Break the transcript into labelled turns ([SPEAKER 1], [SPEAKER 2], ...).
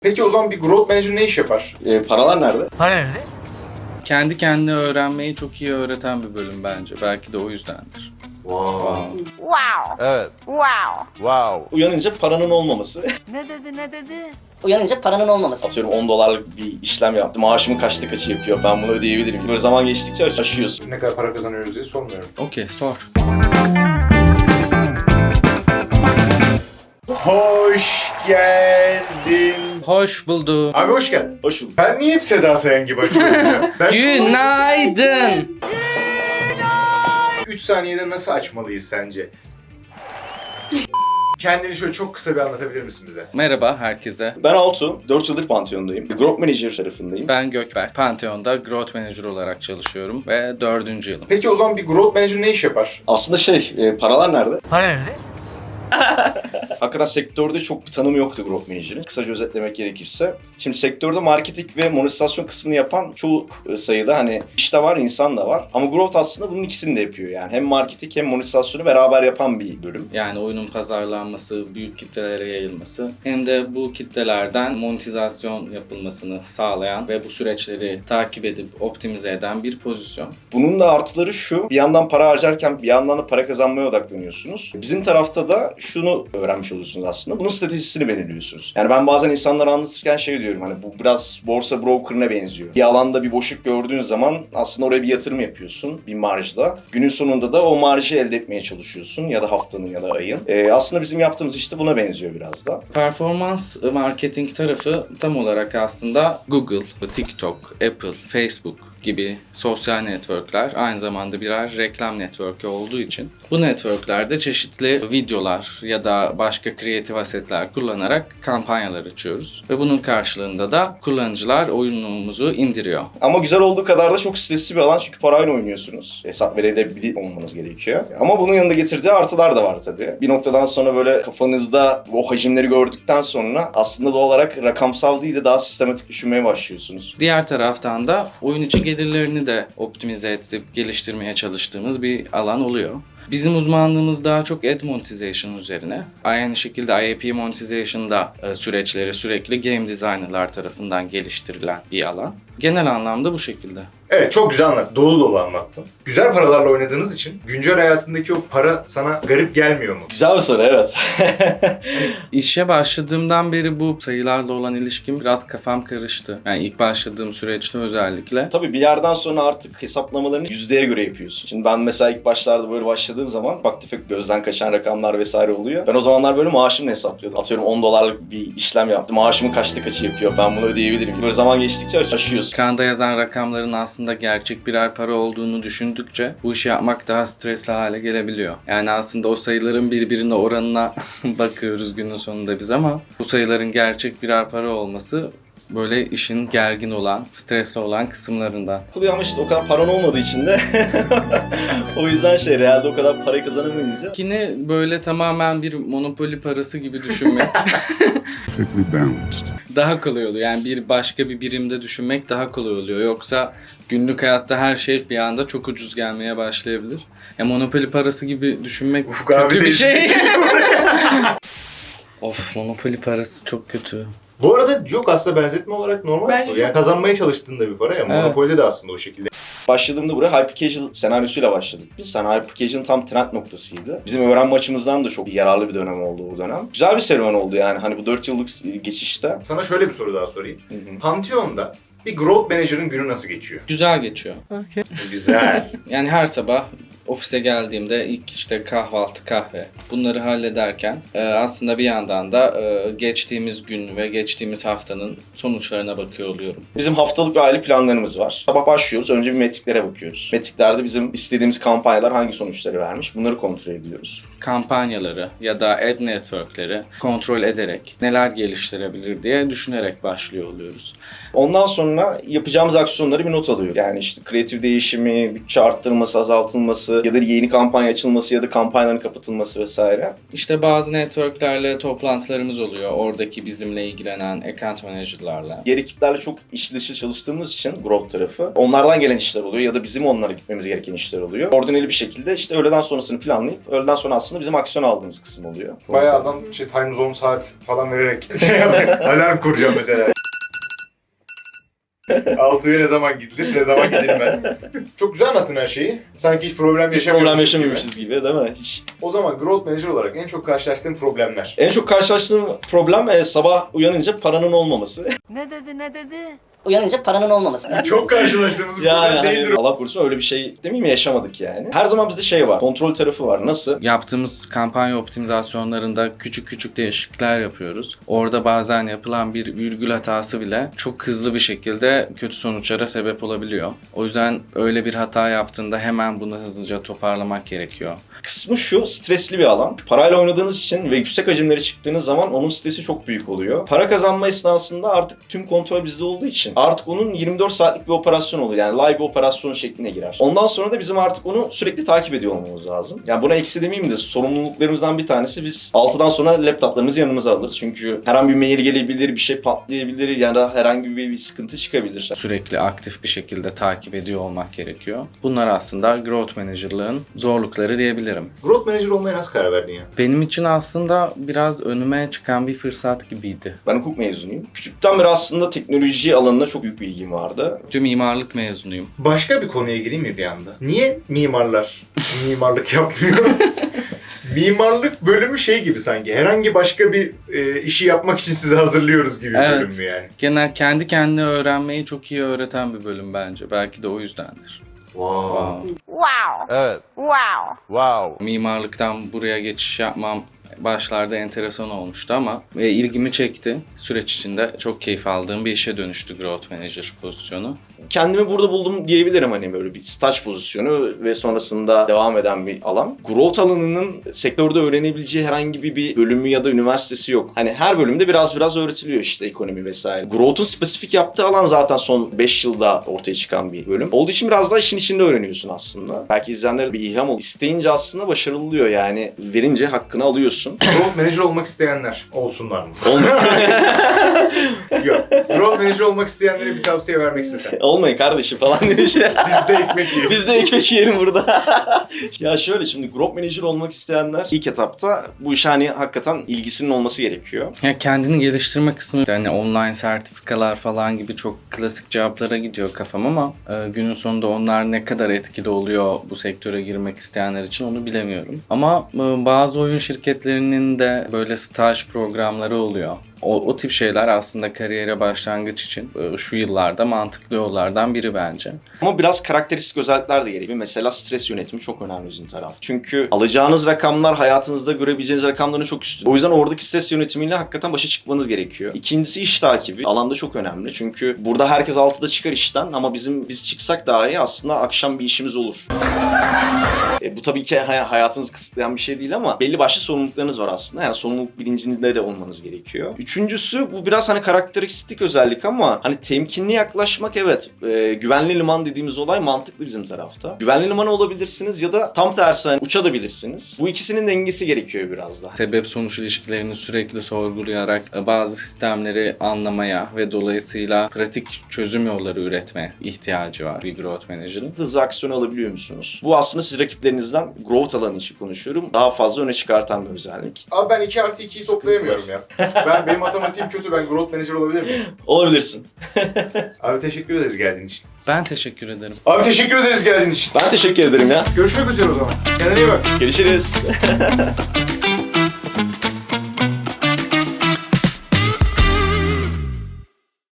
[SPEAKER 1] Peki o zaman bir growth manager ne iş yapar?
[SPEAKER 2] Paralar nerede?
[SPEAKER 3] Para nerede?
[SPEAKER 4] Kendi kendine öğrenmeyi çok iyi öğreten bir bölüm bence. Belki de o yüzdendir.
[SPEAKER 1] Wow.
[SPEAKER 3] Wow.
[SPEAKER 5] Evet.
[SPEAKER 3] Wow.
[SPEAKER 5] Wow.
[SPEAKER 2] Uyanınca paranın olmaması.
[SPEAKER 3] Ne dedi?
[SPEAKER 6] Uyanınca paranın olmaması.
[SPEAKER 2] Atıyorum 10 dolarlık bir işlem yaptım. Maaşımın kaçta kaçı yapıyor? Ben bunu ödeyebilirim. Böyle zaman geçtikçe aşıyorsun.
[SPEAKER 1] Ne kadar para kazanıyoruz diye sormuyorum.
[SPEAKER 4] Okey, sor.
[SPEAKER 1] Hoş geldin.
[SPEAKER 4] Hoş buldum.
[SPEAKER 1] Abi hoş geldin.
[SPEAKER 2] Hoş bulduk.
[SPEAKER 1] Ben niye hep Seda Sayan gibi açıyorum ya? Ben
[SPEAKER 4] Günaydın.
[SPEAKER 1] 3 saniyede nasıl açmalıyız sence? Kendini şöyle çok kısa bir anlatabilir misin bize?
[SPEAKER 4] Merhaba herkese.
[SPEAKER 2] Ben Altu. 4 yıldır Pantheon'dayım. Growth Manager tarafındayım.
[SPEAKER 4] Ben Gökberk. Pantheon'da Growth Manager olarak çalışıyorum ve 4. yılım.
[SPEAKER 1] Peki o zaman bir growth manager ne iş yapar?
[SPEAKER 2] Aslında paralar nerede?
[SPEAKER 3] Para nerede?
[SPEAKER 2] Hakikaten sektörde çok bir tanımı yoktu Growth Manager'ın. Kısaca özetlemek gerekirse. Şimdi sektörde marketing ve monetizasyon kısmını yapan çok sayıda iş de var, insan da var. Ama Growth aslında bunun ikisini de yapıyor yani. Hem marketing hem monetizasyonu beraber yapan bir bölüm.
[SPEAKER 4] Yani oyunun pazarlanması, büyük kitlelere yayılması hem de bu kitlelerden monetizasyon yapılmasını sağlayan ve bu süreçleri takip edip optimize eden bir pozisyon.
[SPEAKER 2] Bunun da artıları şu, bir yandan para harcarken bir yandan da para kazanmaya odaklanıyorsunuz. Bizim tarafta da şunu öğrenmiş oluyorsunuz aslında. Bunun stratejisini belirliyorsunuz. Yani ben bazen insanlara anlatırken diyorum bu biraz borsa broker'ına benziyor. Bir alanda bir boşluk gördüğün zaman aslında oraya bir yatırım yapıyorsun bir marjda. Günün sonunda da o marjı elde etmeye çalışıyorsun ya da haftanın ya da ayın. Aslında bizim yaptığımız işte buna benziyor biraz da.
[SPEAKER 4] Performans marketing tarafı tam olarak aslında Google, TikTok, Apple, Facebook gibi sosyal networkler aynı zamanda birer reklam network'ü olduğu için bu networklerde çeşitli videolar ya da başka kreatif asetler kullanarak kampanyalar açıyoruz. Ve bunun karşılığında da kullanıcılar oyunumuzu indiriyor.
[SPEAKER 2] Ama güzel olduğu kadar da çok stresli bir alan çünkü parayla oynuyorsunuz. Hesap verebilir olmanız gerekiyor. Ama bunun yanında getirdiği artılar da var tabii. Bir noktadan sonra böyle kafanızda o hacimleri gördükten sonra aslında doğal olarak rakamsal değil de daha sistematik düşünmeye başlıyorsunuz.
[SPEAKER 4] Diğer taraftan da oyun içi gelirlerini de optimize edip geliştirmeye çalıştığımız bir alan oluyor. Bizim uzmanlığımız daha çok ad monetization üzerine. Aynı şekilde IAP monetization'da süreçleri sürekli game designerlar tarafından geliştirilen bir alan. Genel anlamda bu şekilde.
[SPEAKER 1] Evet, çok güzel anlattın. Dolu dolu anlattın. Güzel paralarla oynadığınız için güncel hayatındaki o para sana garip gelmiyor mu?
[SPEAKER 2] Güzel bir soru, evet.
[SPEAKER 4] İşe başladığımdan beri bu sayılarla olan ilişkim biraz kafam karıştı. Yani ilk başladığım süreçte özellikle.
[SPEAKER 2] Tabii bir yerden sonra artık hesaplamalarını yüzdeye göre yapıyorsun. Şimdi ben mesela ilk başlarda böyle başladığım zaman ufak tefek gözden kaçan rakamlar vesaire oluyor. Ben o zamanlar böyle maaşımla hesaplıyordum. Atıyorum 10 dolarlık bir işlem yaptım. Maaşımın kaçta kaçı yapıyor? Ben bunu ödeyebilirim. Böyle zaman geçtikçe aşıyorsun.
[SPEAKER 4] Ekranda yazan rakamların aslında gerçek birer para olduğunu düşündükçe bu işi yapmak daha stresli hale gelebiliyor. Yani aslında o sayıların birbirine oranına bakıyoruz günün sonunda biz ama bu sayıların gerçek birer para olması böyle işin gergin olan, stresli olan kısımlarından.
[SPEAKER 2] Kılıyor ama işte o kadar paran olmadığı için de o yüzden realde o kadar parayı kazanamayınca.
[SPEAKER 4] Yine böyle tamamen bir monopoli parası gibi düşünmek daha kolay oluyor. Yani bir başka bir birimde düşünmek daha kolay oluyor. Yoksa günlük hayatta her şey bir anda çok ucuz gelmeye başlayabilir. Ya monopoli parası gibi düşünmek
[SPEAKER 1] Ufuk abi
[SPEAKER 4] kötü
[SPEAKER 1] de
[SPEAKER 4] bir şey. Of, monopoli parası çok kötü.
[SPEAKER 1] Bu arada yok, aslında benzetme olarak normal.
[SPEAKER 3] Bence
[SPEAKER 1] Yani kazanmaya çalıştığında bir para ya.
[SPEAKER 4] Evet.
[SPEAKER 1] Monopoly'de de aslında o şekilde.
[SPEAKER 2] Başladığımda buraya hyper casual senaryosuyla başladık biz. Hyper casual'ın tam trend noktasıydı. Bizim öğrenme açımızdan da çok yararlı bir dönem oldu o dönem. Güzel bir serüven oldu yani bu 4 yıllık geçişte.
[SPEAKER 1] Sana şöyle bir soru daha sorayım. Pantheon'da bir growth manager'ın günü nasıl geçiyor?
[SPEAKER 4] Güzel geçiyor.
[SPEAKER 1] Güzel.
[SPEAKER 4] Yani her sabah ofise geldiğimde ilk işte kahvaltı, kahve bunları hallederken aslında bir yandan da geçtiğimiz gün ve geçtiğimiz haftanın sonuçlarına bakıyor oluyorum.
[SPEAKER 2] Bizim haftalık bir aylık planlarımız var. Sabah başlıyoruz. Önce bir metriklere bakıyoruz. Metriklerde bizim istediğimiz kampanyalar hangi sonuçları vermiş bunları kontrol ediyoruz.
[SPEAKER 4] Kampanyaları ya da ad networkleri kontrol ederek neler geliştirebilir diye düşünerek başlıyor oluyoruz.
[SPEAKER 2] Ondan sonra yapacağımız aksiyonları bir not alıyoruz. Yani işte kreatif değişimi, bütçe arttırılması, azaltılması ya da yeni kampanya açılması ya da kampanyaların kapatılması vesaire.
[SPEAKER 4] İşte bazı networklerle toplantılarımız oluyor. Oradaki bizimle ilgilenen account manager'larla.
[SPEAKER 2] Diğer ekiplerle çok iş dışı çalıştığımız için growth tarafı onlardan gelen işler oluyor ya da bizim onlara gitmemiz gereken işler oluyor. Koordineli bir şekilde işte öğleden sonrasını planlayıp öğleden sonra aslında aslında bizim aksiyon aldığımız kısım oluyor.
[SPEAKER 1] Bayağı adam time zone saat falan vererek şey yaptı. Alarm kuracağım mesela. 6'ya ne zaman gidilir, ne zaman gidilmez. Çok güzel anlattın her şeyi. Sanki hiç problem
[SPEAKER 2] Hiç
[SPEAKER 1] yaşamıyormuşuz
[SPEAKER 2] problem yaşamıyormuşuz gibi değil mi? Hiç.
[SPEAKER 1] O zaman Growth Manager olarak en çok karşılaştığın problemler.
[SPEAKER 2] En çok karşılaştığım problem sabah uyanınca paranın olmaması.
[SPEAKER 3] Ne dedi ne dedi?
[SPEAKER 6] Uyanınca paranın olmaması.
[SPEAKER 1] Çok karşılaştığımız bir
[SPEAKER 2] Yani
[SPEAKER 1] problem değildir.
[SPEAKER 2] Allah korusun öyle bir şey demeyeyim mi, yaşamadık yani. Her zaman bizde şey var, kontrol tarafı var. Nasıl?
[SPEAKER 4] Yaptığımız kampanya optimizasyonlarında küçük küçük değişiklikler yapıyoruz. Orada bazen yapılan bir virgül hatası bile çok hızlı bir şekilde kötü sonuçlara sebep olabiliyor. O yüzden öyle bir hata yaptığında hemen bunu hızlıca toparlamak gerekiyor.
[SPEAKER 2] Kısmı şu, stresli bir alan. Parayla oynadığınız için ve yüksek hacimlere çıktığınız zaman onun stresi çok büyük oluyor. Para kazanma esnasında artık tüm kontrol bizde olduğu için artık onun 24 saatlik bir operasyon oluyor. Yani live bir operasyon şekline girer. Ondan sonra da bizim artık onu sürekli takip ediyor olmamız lazım. Yani buna eksi demeyeyim de sorumluluklarımızdan bir tanesi, biz 6'dan sonra laptoplarımızı yanımıza alırız. Çünkü her an bir mail gelebilir, bir şey patlayabilir ya da herhangi bir sıkıntı çıkabilir.
[SPEAKER 4] Sürekli aktif bir şekilde takip ediyor olmak gerekiyor. Bunlar aslında Growth Manager'lığın zorlukları diyebilirim.
[SPEAKER 1] Growth Manager olmaya nasıl karar verdin ya?
[SPEAKER 4] Benim için aslında biraz önüme çıkan bir fırsat gibiydi.
[SPEAKER 2] Ben hukuk mezunuyum. Küçükten beri aslında teknoloji alanına çok büyük bir ilgim vardı.
[SPEAKER 4] Tüm mimarlık mezunuyum.
[SPEAKER 1] Başka bir konuya gireyim mi bir anda? Niye mimarlar mimarlık yapmıyor? Mimarlık bölümü şey gibi sanki. Herhangi başka bir işi yapmak için sizi hazırlıyoruz gibi bir
[SPEAKER 4] Evet.
[SPEAKER 1] bölüm mü yani?
[SPEAKER 4] Genel kendi kendine öğrenmeyi çok iyi öğreten bir bölüm bence. Belki de o yüzdendir.
[SPEAKER 1] Wow.
[SPEAKER 3] Wow.
[SPEAKER 5] Evet.
[SPEAKER 3] Wow.
[SPEAKER 5] Wow.
[SPEAKER 4] Mimarlıktan buraya geçiş yapmam başlarda enteresan olmuştu ama ilgimi çekti. Süreç içinde çok keyif aldığım bir işe dönüştü Growth Manager pozisyonu.
[SPEAKER 2] Kendimi burada buldum diyebilirim, hani böyle bir staj pozisyonu ve sonrasında devam eden bir alan. Growth alanının sektörde öğrenebileceği herhangi bir bölümü ya da üniversitesi yok. Hani her bölümde biraz öğretiliyor işte, ekonomi vesaire. Growth'un spesifik yaptığı alan zaten son 5 yılda ortaya çıkan bir bölüm. Olduğu için biraz daha işin içinde öğreniyorsun aslında. Belki izleyenlere bir ilham olur. İsteyince aslında başarılı oluyor yani. Verince hakkını alıyorsun.
[SPEAKER 1] Growth Manager olmak isteyenler olsunlar mı? Yok. Growth Manager olmak isteyenlere bir tavsiye vermek istesen.
[SPEAKER 2] Olmayın kardeşim falan demiş.
[SPEAKER 1] Biz de ekmek yiyelim.
[SPEAKER 2] Biz de ekmek yiyelim burada. Ya şöyle, şimdi Growth Manager olmak isteyenler ilk etapta bu işe hani hakikaten ilgisinin olması gerekiyor.
[SPEAKER 4] Ya kendini geliştirme kısmı, yani online sertifikalar falan gibi çok klasik cevaplara gidiyor kafam ama günün sonunda onlar ne kadar etkili oluyor bu sektöre girmek isteyenler için onu bilemiyorum. Ama bazı oyun şirketlerinin de böyle staj programları oluyor. O tip şeyler aslında kariyere başlangıç için şu yıllarda mantıklı yollardan biri bence.
[SPEAKER 2] Ama biraz karakteristik özellikler de gerekiyor. Mesela stres yönetimi çok önemli bizim taraf. Çünkü alacağınız rakamlar hayatınızda görebileceğiniz rakamların çok üstünde. O yüzden oradaki stres yönetimiyle hakikaten başa çıkmanız gerekiyor. İkincisi iş takibi. Alanda çok önemli. Çünkü burada herkes 6'da çıkar işten ama biz çıksak dahi aslında akşam bir işimiz olur. Bu tabii ki hayatınızı kısıtlayan bir şey değil ama belli başlı sorumluluklarınız var aslında. Yani sorumluluk bilincinde de olmanız gerekiyor. Üçüncüsü, bu biraz hani karakteristik özellik ama hani temkinli yaklaşmak, evet. Güvenli liman dediğimiz olay mantıklı bizim tarafta. Güvenli liman olabilirsiniz ya da tam tersi hani uçabilirsiniz. Bu ikisinin dengesi gerekiyor biraz da.
[SPEAKER 4] Sebep sonuç ilişkilerini sürekli sorgulayarak bazı sistemleri anlamaya ve dolayısıyla pratik çözüm yolları üretmeye ihtiyacı var bir Growth Manager'ın.
[SPEAKER 2] Hızlı aksiyon alabiliyor musunuz? Bu aslında siz rakiplerinizden growth alanı için konuşuyorum. Daha fazla öne çıkartan bir özellik.
[SPEAKER 1] Abi ben 2+2'yi toplayamıyorum ya. Benim matematiğim kötü. Ben Growth Manager olabilir miyim?
[SPEAKER 2] Olabilirsin.
[SPEAKER 1] Abi teşekkür ederiz geldiğin için.
[SPEAKER 4] Ben teşekkür ederim.
[SPEAKER 1] Abi teşekkür ederiz geldiğin için.
[SPEAKER 2] Ben teşekkür ederim ya.
[SPEAKER 1] Görüşmek üzere o zaman. Kendine iyi bak.
[SPEAKER 2] Görüşürüz.